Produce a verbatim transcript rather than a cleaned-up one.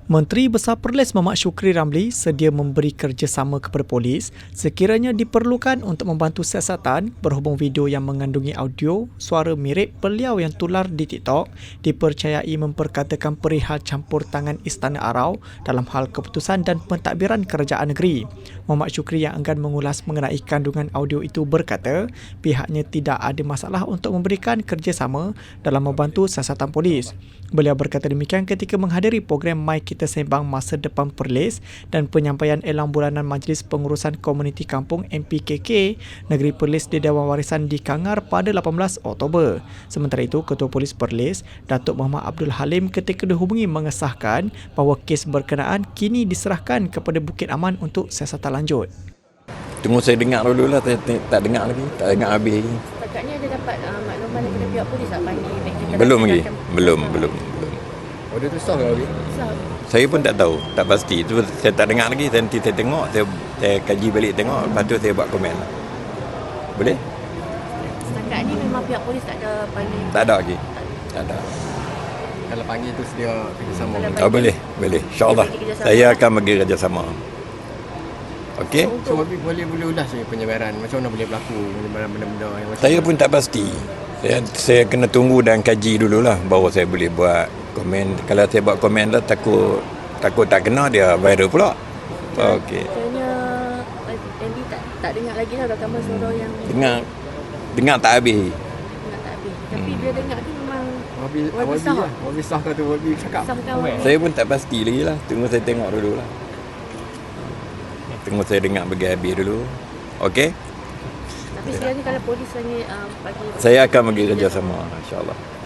Menteri Besar Perlis Mamat Shukri Ramli sedia memberi kerjasama kepada polis sekiranya diperlukan untuk membantu siasatan berhubung video yang mengandungi audio suara mirip beliau yang tular di TikTok dipercayai memperkatakan perihal campur tangan Istana Arau dalam hal keputusan dan pentadbiran kerajaan negeri. Mamat Shukri yang enggan mengulas mengenai kandungan audio itu berkata pihaknya tidak ada masalah untuk memberikan kerjasama dalam membantu siasatan polis. Beliau berkata demikian ketika menghadiri program My Kita Sembang Masa Depan Perlis dan penyampaian elang bulanan Majlis Pengurusan Komuniti Kampung M P K K Negeri Perlis di Dewan Warisan di Kangar pada lapan belas Oktober. Sementara itu, Ketua Polis Perlis, Datuk Muhammad Abdul Halim ketika dihubungi mengesahkan bahawa kes berkenaan kini diserahkan kepada Bukit Aman untuk siasatan lanjut. Tunggu saya dengar dulu lah, tak, tak dengar lagi, tak dengar habis lagi. Setakat ada dapat uh, makluman daripada pihak polis tak panggil? Belum lagi, belum, belum, belum. Order tu sah ke lagi? Sah. Saya pun tak tahu, tak pasti. Itu saya tak dengar lagi, nanti saya tengok, saya, saya kaji balik tengok, lepas tu saya buat komen. Boleh? Setakat ni memang pihak polis tak ada panggil? Tak ada lagi, tak ada. Kalau panggil tu sedia kerjasama. Oh, boleh, boleh. InsyaAllah, saya akan bagi kerjasama. Okey? So, Wabi boleh boleh ulas je penyebaran. Macam mana boleh berlaku penyebaran benda-benda yang macam Saya pun tak pasti. Saya, saya kena tunggu dan kaji dululah baru saya boleh buat komen. Kalau saya buat komen lah, takut takut tak kena dia viral pula. Okey. Katanya Andy tak, tak dengar lagi lah rakaman suara yang Dengar, dengar tak habis. dengar tak habis. Tapi dia dengar tu memang Wabi Wabi Wabi sah. lah. Wabi sah kata Wabi cakap. sah kawan. Saya pun tak pasti lagi lah. Tunggu saya tengok dulu lah. Tunggu saya dengar bagi habis dulu. Okey? Tapi sekarang ni kalau polis hanya uh, bagi Saya akan bagi kerjasama, insyaAllah.